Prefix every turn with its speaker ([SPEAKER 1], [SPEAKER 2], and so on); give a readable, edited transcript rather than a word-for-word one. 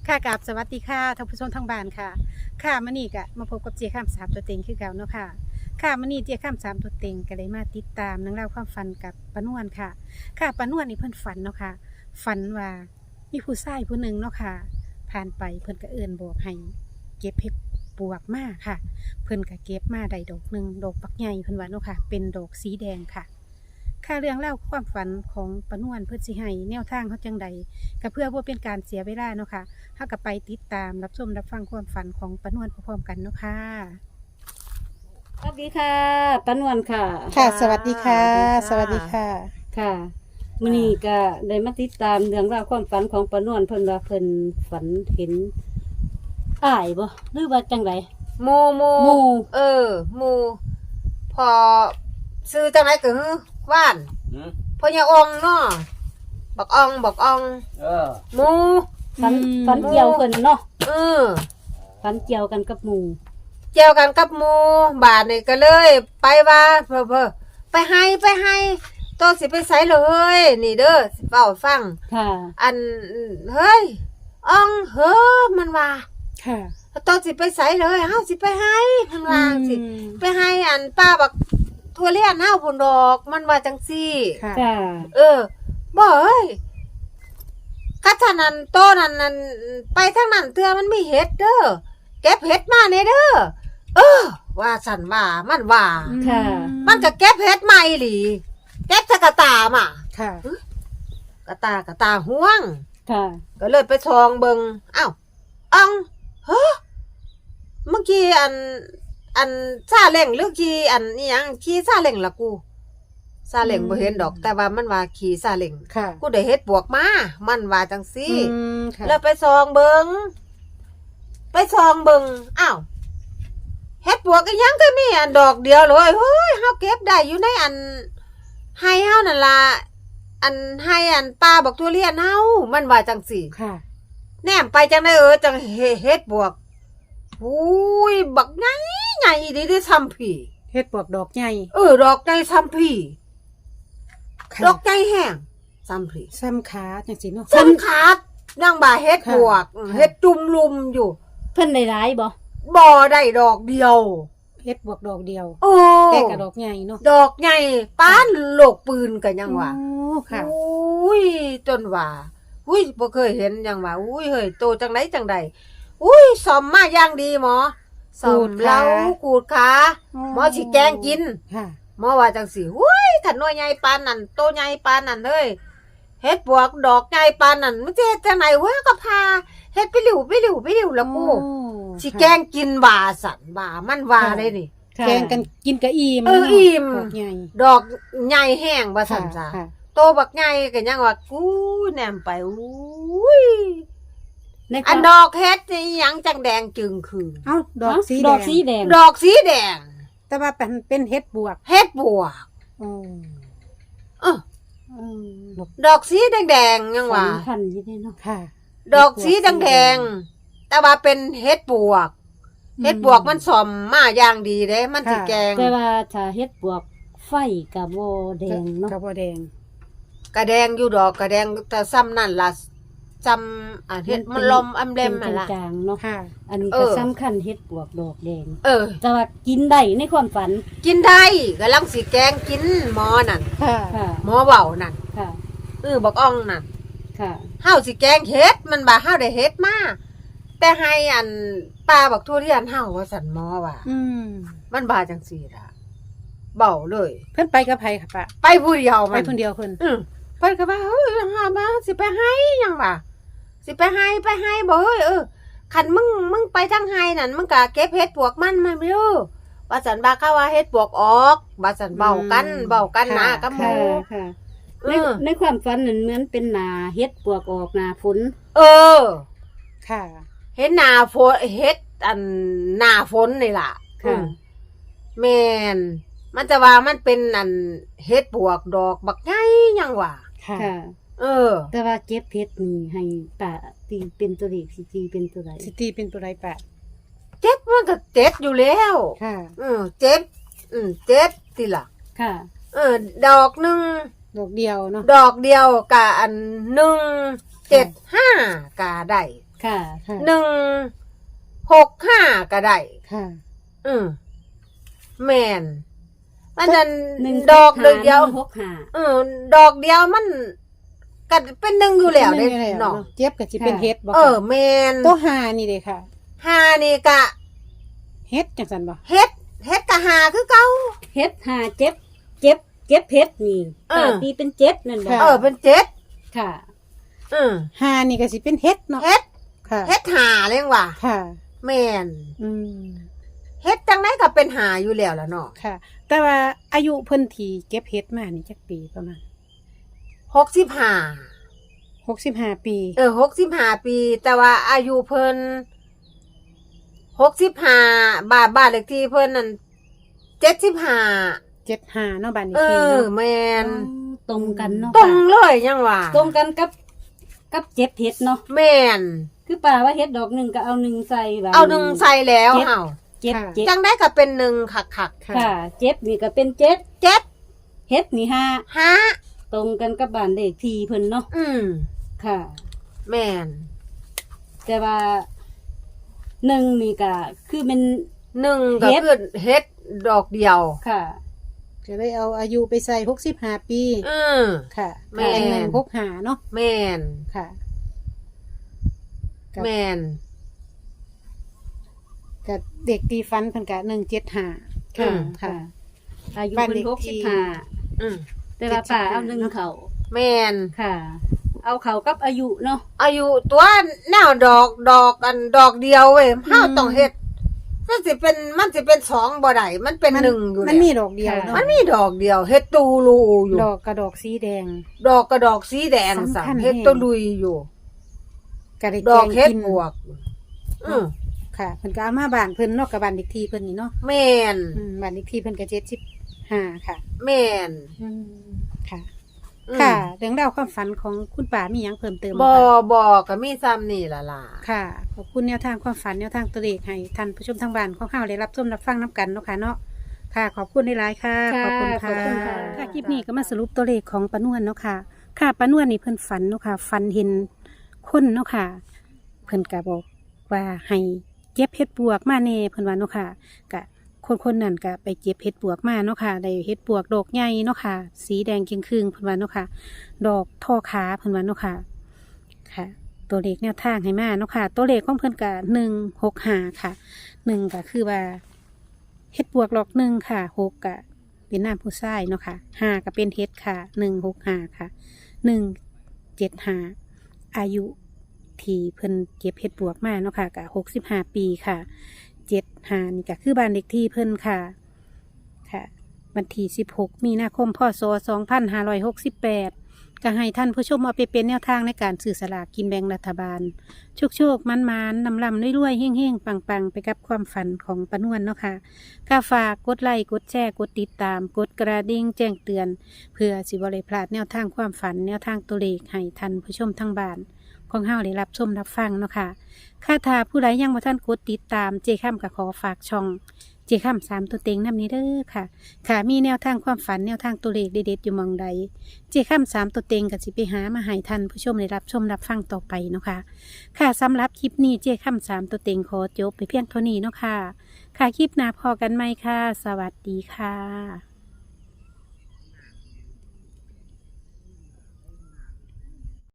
[SPEAKER 1] ค่ะกับสวัสดีค่ะท่านผู้ชมทางบ้านค่ะค่ะมื้อนี้ก็มาพบกับเจี๊ยข้ามสามตัวเต็งคือเก่าเนาะค่ะค่ะมื้อนี้เจี๊ยข้ามสามตัวเต็งก็เลยมาติดตามนังเล่องราวความฝันกับป้านวลค่ะค่ะป้านวลนี่เพิ่นฝันเนาะค่ะฝันว่ามีผู้ชายผู้หนึ่งเนาะค่ะผ่านไปเพิ่นก็เอิ้นบอกให้เก็บเห็ดปวกมาค่ะ เพิ่นก็เก็บมาได้ดอกหนึ่งดอกปักใหญ่เพิ่นว่าเนาะค่ะเป็นดอกสีแดงค่ะค่ะเรื่องเล่าวความฝันของป้านวลเพิ่นสิให้แนวทางเขาจังใดก็เพื่อบ่เป็นการเสียเวลาเนาะค่ะ ถ้ากับไปติดตามรับชมรับฟังความฝันของป้านวลพร้อมๆกันเนาะค่ะ
[SPEAKER 2] สวัสดีค่ะป้านวลค่ะ
[SPEAKER 1] ค่ะ สวัสดีค่ะ สวัสดีค่ะ
[SPEAKER 2] ค่ะมื้อนี้ก็ได้มาติดตามเรื่องราวความฝันของป้านวลเพิ่นว่าเพิ่นฝันเห็นอ้ายบ่หรือว่าจังได
[SPEAKER 3] หมู
[SPEAKER 2] หมู่
[SPEAKER 3] หมูพอซื้อจังไหนก็ฮือว่าน
[SPEAKER 4] อืม
[SPEAKER 3] พญาองเนาะบักออง
[SPEAKER 4] เออ
[SPEAKER 3] หมู
[SPEAKER 2] ฝัน
[SPEAKER 1] อืม
[SPEAKER 2] ฝันเกี่ยวเพิ่นเนาะ
[SPEAKER 3] เออ
[SPEAKER 2] ฝันเกี่ยวกันกับหมู่
[SPEAKER 3] เกี่ยวกันกับหมูบาทนี่ก็เลย ไปว่าเพ้อไปให้โตสิไปไสเลยนี่เด้อสิเฝ้าฟัง
[SPEAKER 2] ค่ะ
[SPEAKER 3] อันเฮ้ยอองเฮ้อมันว่า
[SPEAKER 1] ค่ะ
[SPEAKER 3] โตสิไปไสเลยเฮาสิไปให้มันว่าสิ
[SPEAKER 1] อืม
[SPEAKER 3] ไปให้อันป้าบักทั่วเลียนเฮาพุ่นดอกมันว่าจังซี่
[SPEAKER 1] ค่ะ
[SPEAKER 2] ค่ะ
[SPEAKER 3] บ่เอ้ยกัทนันโตนั่นไปทางนั้นเตือมันมีเห็ดเด้อเก็บเห็ดมาเนเด้อว่าสันว่ามันว่า
[SPEAKER 2] ค่ะ
[SPEAKER 3] มันก็เก็บเห็ดมาอีหลีเก็บทะกะตามา
[SPEAKER 1] ค่ะ
[SPEAKER 3] กะตาห่วง
[SPEAKER 2] ค่ะ
[SPEAKER 3] ก็เลยไปทองเบิงอ้าวอังเฮ้อเมื่อกี้อันซาเล้งหรือขี่อันนี่ยังขี่ซาเล้งล่ะกูซาเล้งบ่เห็นดอก แต่ว่ามันว่าขี่ซาเล้ง
[SPEAKER 1] ค่ะ
[SPEAKER 3] กูได้เฮ็ดบวกมา มันว่าจังซี่
[SPEAKER 1] ค่ะ
[SPEAKER 3] แล้วไปซองเบิงอ้าวเฮ็ดบวกอีหยังก็มีอันดอกเดียวเลยเฮ้ยเฮาเก็บได้อยู่ในอันให้เฮานั่นล่ะอันให้อันป้าบักทุเรียนเฮามันว่าจังซี่
[SPEAKER 1] ค่ะ
[SPEAKER 3] แนมไปจังได้จังเฮ็ดบวกอุ้ยบักใหญ่ดีได้ซ้ำพี่
[SPEAKER 1] เฮ็ดปวกดอกใหญ่
[SPEAKER 3] ดอกใหญ่ซ้ำพี่
[SPEAKER 1] ค่ะ
[SPEAKER 3] ดอกใหญ่แห้งซ้ำพี่
[SPEAKER 1] ซ้ำขาจังสิเนาะ
[SPEAKER 3] ซ้ำขาดนั่งบ่าเฮ็ดบวก
[SPEAKER 1] ค่ะ
[SPEAKER 3] เฮ็ดจุ่มลุมอยู่
[SPEAKER 2] เพิ่นได้หลายบ่
[SPEAKER 3] บ่ได้ดอกเดียว
[SPEAKER 1] เฮ็ดปวกดอกเดียว
[SPEAKER 3] โอ้
[SPEAKER 1] แต่กระดอกใหญ่เนาะ
[SPEAKER 3] ดอกใหญ่ป้านโลกปืนกันยังว่า
[SPEAKER 1] โอ้ค่ะ
[SPEAKER 3] อุ้ยจนว่าอุ้ยบ่เคยเห็นยังว่าอุ้ยเฮ้ยโตจังไดจังใดอุ้ยซ่อมมาอย่างดีหมอซ่อมเล้าขูดขาหมอสิแกงกิน
[SPEAKER 1] ค่ะ
[SPEAKER 3] หมอว่าจังสิอุ้ยขันน้อยใหญ่ปานนั่นโตใหญ่ปานนั่นเลยเฮ็ดบวกดอกใหญ่ปานนั่นมันจะเฮ็ดจังไหนวะก็พาเฮ็ดไปหลิวแล้วกูสิแกงกินว่าสั่นว่ามันว่าได้นี่
[SPEAKER 2] ค่ะ
[SPEAKER 1] แกงกันกินกะอิ่ม
[SPEAKER 3] อิ่ม
[SPEAKER 1] ดอกใหญ่
[SPEAKER 3] ดอกใหญ่แห้งว่าสั่นจ้า
[SPEAKER 1] ค่ะ
[SPEAKER 3] โตบักใหญ่ก็ยังว่ากูแนมไปอุ้ย
[SPEAKER 2] ในค
[SPEAKER 3] อั
[SPEAKER 2] วาม
[SPEAKER 3] นดอกเฮ็ดนี่หยังจังแดงจึงคือ
[SPEAKER 1] เอ้าดอกสี
[SPEAKER 2] ด
[SPEAKER 1] แด
[SPEAKER 2] อก
[SPEAKER 1] ง
[SPEAKER 2] สีแดง
[SPEAKER 3] ดอกสีแดง
[SPEAKER 1] แต่ว่าเป็นเฮ็ดบวก
[SPEAKER 3] เฮ็ดบวก
[SPEAKER 1] อืม
[SPEAKER 3] เออ
[SPEAKER 1] อืม
[SPEAKER 3] ดอกสีแดงๆยังว่า
[SPEAKER 2] สำคัญอยู่เด้เนาะ
[SPEAKER 1] ค่ะ
[SPEAKER 3] ดอกสีแดงๆแต่ว่าเป็นเฮ็ดบวก เฮ็ดบวกมันสอมมาอย่างดีเด้ มันสิ
[SPEAKER 1] ค่ะ
[SPEAKER 3] แกง
[SPEAKER 2] แต่ว่าถ้าเฮ็ดบวกไฟก็บ่แดงเนาะ
[SPEAKER 1] กระบอกแดง
[SPEAKER 3] กระแดงอยู่ดอกกระแดงแต่ซ้ำนั่นล่ะซ้ำเฮ็ดมันลมอำเล่ม
[SPEAKER 2] เป็
[SPEAKER 3] นั่
[SPEAKER 2] น
[SPEAKER 3] นล่ะ
[SPEAKER 2] จางๆเนาะ
[SPEAKER 1] ค่ะ
[SPEAKER 2] อันนี้
[SPEAKER 3] เอ
[SPEAKER 2] ก็
[SPEAKER 3] อ
[SPEAKER 2] สำคัญเฮ็ดบวกดอกแดง
[SPEAKER 3] เ
[SPEAKER 2] แต่ว่ากินได้ในความฝัน
[SPEAKER 3] กินได้กำลังสิแกงกินหมอนั่น
[SPEAKER 1] ค่ะ
[SPEAKER 2] ค่ะ
[SPEAKER 3] หมอเว้านั่น
[SPEAKER 2] ค่ะ
[SPEAKER 3] บักอ่องนั่น
[SPEAKER 2] ค่ะ
[SPEAKER 3] เฮาสิแกงเฮ็ดมันบ่าเฮาได้เฮ็ดมาแต่ให้อันป้าบักทุเรียนเฮาว่าสั่นหมอว่า
[SPEAKER 1] อืม
[SPEAKER 3] มันบ่าจังซี่ล่ะเบ้าเลย
[SPEAKER 1] เพิ่นไปกับไผค่ะปะ
[SPEAKER 3] ไปผู้เดียว
[SPEAKER 1] ไป
[SPEAKER 3] มัน
[SPEAKER 1] คนเดียวเพิ่น
[SPEAKER 3] เพิ่นก็ว่าเฮ้ยหามาสิไปให้หยังว่าสิไปให้บ่เฮ้ยคันมึงไปทางให้นั่นมึงก็เก็บเฮ็ดปวกมันมาเด้อว่าสันบ่าเขาว่าเฮ็ดปวกออกว่าสันเบ้ากันนะกับห
[SPEAKER 2] ค่ะ
[SPEAKER 3] มู่
[SPEAKER 2] ค่ะ
[SPEAKER 3] เอ
[SPEAKER 2] ใน
[SPEAKER 3] อ
[SPEAKER 2] ในความฝันนั้นเหมือนเป็นหนาเฮ็ดบวกออกหนาฝน
[SPEAKER 3] เออ
[SPEAKER 1] ค่ะ
[SPEAKER 3] เฮ็ดหน้าฝนเฮ็ดอันหน้าฝนนี่ล่ะ
[SPEAKER 2] ค่ะ
[SPEAKER 3] แม่นมันจะว่ามันเป็นอันเฮ็ดปวกดอกบักใหญ่หยังว่า
[SPEAKER 1] ค่ะ
[SPEAKER 2] ค่ะ
[SPEAKER 3] เออ
[SPEAKER 2] แต่ว่าเจ็บเพชรนี่ให้ป่าตีเป็นตัวเลขสิตีเป็นตัวใด
[SPEAKER 1] สิตีเป็นตัวใดปะ
[SPEAKER 3] เจ็บมันก็เจ็บอยู่แล้ว
[SPEAKER 1] ค่ะ
[SPEAKER 3] เจ็บเจ็บติล่ะ
[SPEAKER 2] ค่ะ
[SPEAKER 3] ดอกหนึง
[SPEAKER 1] ดอกเดียวเนาะ
[SPEAKER 3] ดอกเดียวกะอัน175กะได้
[SPEAKER 2] ค่ะ
[SPEAKER 1] ค่ะ
[SPEAKER 3] 165ก็ได้
[SPEAKER 1] ค่ะ
[SPEAKER 3] อืมแม่นมันจะ
[SPEAKER 2] 1
[SPEAKER 3] ดอกเดียว
[SPEAKER 2] 165
[SPEAKER 3] ดอกเดียวมันก็เป็นหนึ่งอยู่แล้วเด้
[SPEAKER 1] เป็นหนึ่งอยู่แล้ว
[SPEAKER 3] เนาะ
[SPEAKER 1] เนาะเจี๊ยบก็สิเป็นเฮ็ดบ่
[SPEAKER 3] เอ
[SPEAKER 1] ค่ะ
[SPEAKER 3] อแม่น
[SPEAKER 1] ตัวหานี่เด้ค่ะ
[SPEAKER 3] หานี่กะ
[SPEAKER 1] เฮ็ดจังซั่นบ่
[SPEAKER 3] เฮ็ดกะหาคือเก่า
[SPEAKER 2] เฮ็ดหาเจ็บเฮ็ดนี่
[SPEAKER 3] เออ
[SPEAKER 2] ป้าตีเป็นเจ็ดนั่นบ่
[SPEAKER 1] ค่ะ
[SPEAKER 3] เป็นเจ็ด
[SPEAKER 2] ค่ะ
[SPEAKER 3] อืม
[SPEAKER 1] หานี่ก็สิเป็นเฮ็ดเนาะ
[SPEAKER 3] เฮ็ด
[SPEAKER 1] ค่ะ
[SPEAKER 3] เฮ็ดหาเลยว่ะ
[SPEAKER 1] ค่ะ
[SPEAKER 3] แม่น
[SPEAKER 1] อืม
[SPEAKER 3] เฮ็ดจังไดก็เป็นหาอยู่แล้วล่ะเนาะ
[SPEAKER 1] ค่ะ แต่ว่าอายุเพิ่นที่เก็บเฮ็ดมานี่จักปีประมาณ
[SPEAKER 3] 65
[SPEAKER 1] 65 ปี
[SPEAKER 3] 65 ปี แต่ว่าอายุเพิ่น65บ้านเลขที่เพิ่นนั่น75
[SPEAKER 1] 75เนาะบ้านนี้
[SPEAKER 3] เอ
[SPEAKER 1] ที
[SPEAKER 3] อ
[SPEAKER 1] เนาะ
[SPEAKER 3] แม่น
[SPEAKER 2] ตรงกันเนาะ
[SPEAKER 3] ตรง
[SPEAKER 2] ป้า
[SPEAKER 3] เลยยังว่า
[SPEAKER 2] ตรงกันกับเจ็บเฮ็ดเนาะ
[SPEAKER 3] แม่น
[SPEAKER 2] คือป้าว่าเฮ็ดดอกหนึงก็เอา1ใส่ว่า
[SPEAKER 3] เอาหนึ่งใส่แล้ว
[SPEAKER 2] เจ็ด
[SPEAKER 3] เฮา
[SPEAKER 2] เจ็บ
[SPEAKER 3] จังได้ก็เป็นหนึ่งคัก
[SPEAKER 1] ค่ะ
[SPEAKER 2] ค่ะ เจ็บนี่ก็เป็นเจ็ด
[SPEAKER 3] ๆเจ็ด
[SPEAKER 2] เฮ็ดนี่ห้า
[SPEAKER 3] ฮะ
[SPEAKER 2] ตรงกันกับบ้านเลขที่เพิ่นเนาะ
[SPEAKER 3] อืม
[SPEAKER 2] ค่ะ
[SPEAKER 3] แม่น
[SPEAKER 2] แต่ว่า1นี่ก็คือเป็น
[SPEAKER 3] หนึ่งก็
[SPEAKER 2] เฮ็ด
[SPEAKER 3] คือเฮ็ดดอกเดียว
[SPEAKER 2] ค่ะ
[SPEAKER 1] จะได้เอาอายุไปใส่65 ปี
[SPEAKER 3] อืม
[SPEAKER 1] ค่ะ
[SPEAKER 3] แม่
[SPEAKER 1] เป็น165เนาะ
[SPEAKER 3] แม่น
[SPEAKER 1] ค่ะ
[SPEAKER 3] แม่น
[SPEAKER 1] กับเด็กตีฟันเพิ่นก็175
[SPEAKER 3] อื
[SPEAKER 1] ค่ะ
[SPEAKER 3] ม
[SPEAKER 1] ค่ะ
[SPEAKER 2] อายุ
[SPEAKER 1] บ้าน
[SPEAKER 2] เพิ่
[SPEAKER 1] เล
[SPEAKER 2] น
[SPEAKER 1] ขที่
[SPEAKER 2] 65
[SPEAKER 3] อืม
[SPEAKER 2] แต่ว่าป้าเอา1เขา
[SPEAKER 3] แม่น
[SPEAKER 2] ค่ะ เอาเขากับอายุเนาะ
[SPEAKER 3] อายุตัวแนวดอกกันดอกเดียวเว้ยเฮาต้องเฮ็ดมันสิเป็นสองบ่ได้มันเป็นหนึ่งอยู่
[SPEAKER 1] มัน
[SPEAKER 3] แล้ว
[SPEAKER 1] มีดอกเดียวเนาะ
[SPEAKER 3] มันมีดอกเดียวเฮ็ดตูรูอยู่
[SPEAKER 1] ดอกกระดอกสีแดง
[SPEAKER 3] ดอกกระดอกสีแดง
[SPEAKER 1] สำ
[SPEAKER 3] สั
[SPEAKER 1] คัญ
[SPEAKER 3] เฮ็ด
[SPEAKER 1] แฮง
[SPEAKER 3] ตูลุยอยู่
[SPEAKER 1] กระได้
[SPEAKER 3] ด
[SPEAKER 1] แก
[SPEAKER 3] อก
[SPEAKER 1] ง
[SPEAKER 3] เฮ็ด
[SPEAKER 1] กิน
[SPEAKER 3] บวก อืม
[SPEAKER 1] ค่ะเพิ่นก็เอามาบ้านเพิ่นเนาะกับบ้านเด็กที่เพิ่นนี่เนาะ
[SPEAKER 3] แม่น
[SPEAKER 1] บ้านเด็กที่เพิ่นก็75ค่ะ
[SPEAKER 3] แม่น
[SPEAKER 1] ค่ะ
[SPEAKER 3] อืม
[SPEAKER 1] ค่ะเรื่องราวความฝันของคุณป่ามีหยังเพิ่มเติมไหม
[SPEAKER 3] บ่
[SPEAKER 1] คะ
[SPEAKER 3] บ่ก็มีซ้ำนี่ล่ะล่ะ
[SPEAKER 1] ค่ะขอบคุณแนวทางความฝันแนวทางตัวเลขให้ท่านผู้ชมทางบ้านของเฮาได้รับชมรับฟังนํกันเนาะค่ะเนาะค่ะ ขอบคุณหลายๆค่ะ
[SPEAKER 2] ค่ะ
[SPEAKER 1] ขอบคุณ
[SPEAKER 2] ขอบคุณค่ะ
[SPEAKER 1] ค่ะคลิปนี้ก็มาสรุปตัวเลขของปานวนเนาะค่ะ ค่ะปานวนนี่เพิ่นฝันเนาะค่ะฝันเห็นคนเนาะค่ะ เพิ่นก็บอกว่าให้เก็บเห็ดปวกมาแน่เพิ่นว่าเนาะค่ะก็คนนั้นก็ไปเก็บเห็ดปวกมาเนาะค่ะได้เห็ดปวกดอกใหญ่เนาะค่ะ สีแดงเกรียงครึ่งเพิ่นว่าเนาะค่ะ ดอกท่อขาเพิ่นว่าเนาะค่ะ ค่ะ ตัวเลขแนวทางให้มาเนาะค่ะ ตัวเลขของเพิ่นก็165ค่ะ1ก็คือว่าเห็ดปวกดอกหนึ่งค่ะ6ก็เป็นน้ำผู้ชายเนาะค่ะ5ก็เป็นเห็ดค่ะ165ค่ะ175อายุ ที่เพิ่นเก็บเห็ดปวกมาเนาะค่ะก็65 ปีค่ะ75นี่ก็คือบ้านเลขที่เพิ่นค่ะค่ะวันที่16 มีนาคมพศ2568ก็ให้ท่านผู้ชมเอาไปเป็นแนวทางในการสื่อสลากกินแบ่งรัฐบาลโชคๆมันๆนำๆรวยๆเฮ้งๆปังๆไปกับความฝันของปานวนเนาะค่ะก็ฝากกดไลค์กดแชร์กดติดตามกดกระดิ่งแจ้งเตือน เพื่อสิบ่ได้พลาดแนวทางความฝันแนวทางตัวเลขให้ท่านผู้ชมทางบ้านของเฮาได้รับชมรับฟังเนาะค่ะค่าถ้าผู้ใดยังบ่ทันกดติดตามเจค่ำก็ขอฝากช่องเจค่ำ3ตัวเต็งนำนี้เด้อค่ะ ค่ะมีแนวทางความฝันแนวทางตัวเลขเด็ดๆอยู่หมองใดเจค่ำ3ตัวเต็งก็สิไปหามาให้ท่านผู้ชมได้รับชมรับฟังต่อไปเนาะค่ะค่ะสำหรับคลิปนี้เจค่ำ3ตัวเต็งขอจบไปเพียงเท่านี้เนาะค่ะค่ะคลิปหน้าพอกันไหมค่ะ สวัสดีค่ะ